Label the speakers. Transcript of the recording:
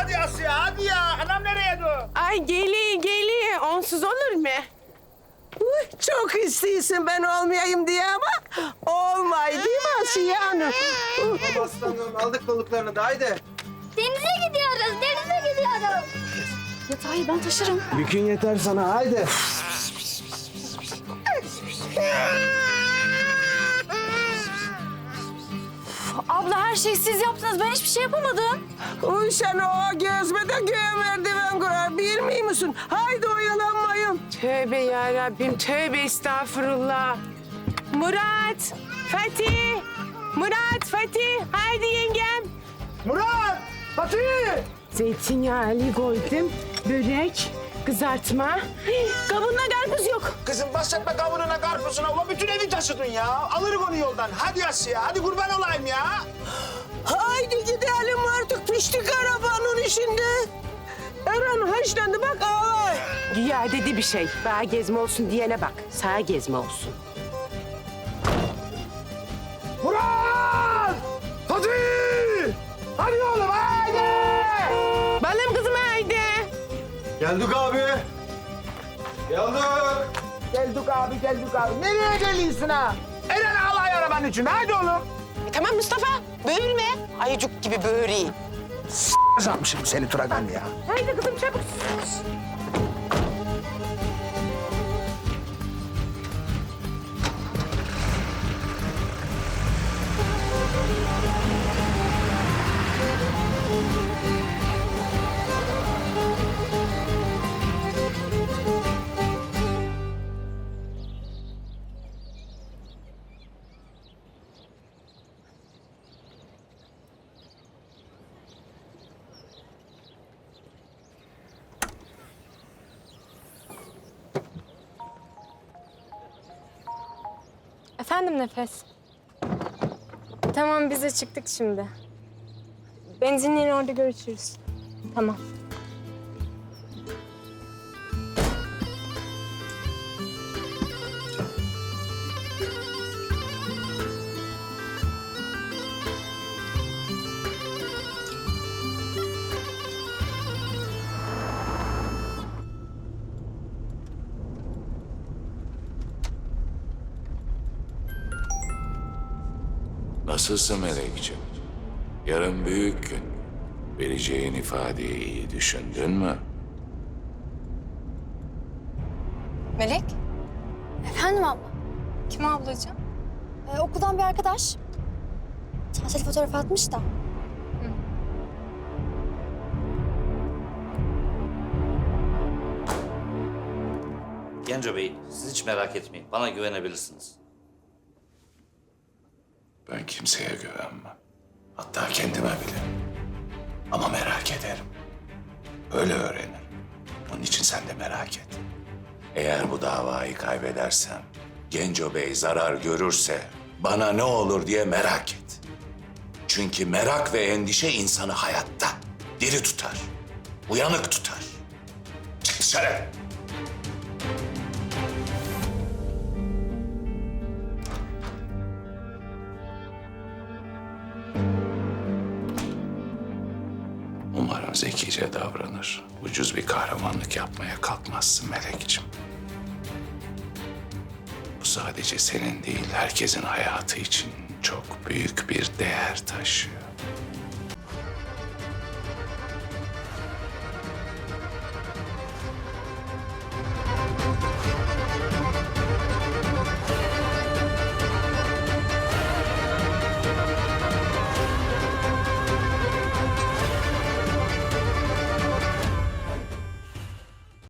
Speaker 1: hadi Asya, hadi ya. Anam nereye dur?
Speaker 2: Ay geliyor. Onsuz olur mu?
Speaker 3: Çok istiyorsun ben olmayayım diye ama olmay değil mi Asiye Hanım?
Speaker 4: Aslanım aldık balıklarını da haydi.
Speaker 5: Denize gidiyoruz. Yatağı ben taşırım.
Speaker 4: Yükün yeter sana haydi.
Speaker 5: Abla her şeyi siz yaptınız. Ben hiçbir şey yapamadım.
Speaker 3: Uy sen o gözmede göğe merdiven kurar bilmiyor musun? Haydi oyalanmayın.
Speaker 2: Tövbe yarabbim, tövbe estağfurullah. Murat, Fatih. Haydi yengem.
Speaker 1: Murat! Fatih!
Speaker 2: Zeytinyağlı koydum. Börek, kızartma. Kabında karpuz yok.
Speaker 1: Kızım bahsetme kavununa, karpuzuna. Ulan bütün evi taşıdın ya. Alırız onu yoldan. Hadi Asya, hadi kurban olayım ya.
Speaker 3: Haydi gidelim artık piştik arabanın içinde. Eren haşlandı bak ağlar.
Speaker 2: Güya dedi bir şey. Bana gezme olsun diyene bak. Sağa gezme olsun.
Speaker 1: Murat! Fatih! Hadi oğlum, haydi!
Speaker 2: Balım kızım haydi.
Speaker 4: Geldik abi. Geldik.
Speaker 1: Geldik abi. Nereye geliyorsun ha? Eren alay arabanın içinde. Haydi oğlum.
Speaker 2: Tamam Mustafa, böğürme. Ayıcık gibi böğüreyim.
Speaker 1: Kazanmışım seni Turagan ya.
Speaker 2: Haydi kızım çabuk.
Speaker 6: Efendim Nefes. Tamam biz de çıktık şimdi. Benzinliğin orada görüşürüz. Tamam.
Speaker 7: Nasılsın Melekciğim? Yarın büyük gün. Vereceğin ifadeyi iyi düşündün mü?
Speaker 6: Melek?
Speaker 5: Efendim abla.
Speaker 6: Kim ablacığım?
Speaker 5: Okuldan bir arkadaş. Tatil fotoğrafı atmış da.
Speaker 8: Genco Bey, siz hiç merak etmeyin. Bana güvenebilirsiniz.
Speaker 7: Ben kimseye güvenmem. Hatta kendime bile. Ama merak ederim. Öyle öğrenirim. Onun için sen de merak et. Eğer bu davayı kaybedersem, Genco Bey zarar görürse bana ne olur diye merak et. Çünkü merak ve endişe insanı hayatta diri tutar, uyanık tutar. Çık dışarı. Umarım zekice davranır. Ucuz bir kahramanlık yapmaya kalkmazsın Melekciğim. Bu sadece senin değil, herkesin hayatı için çok büyük bir değer taşıyor.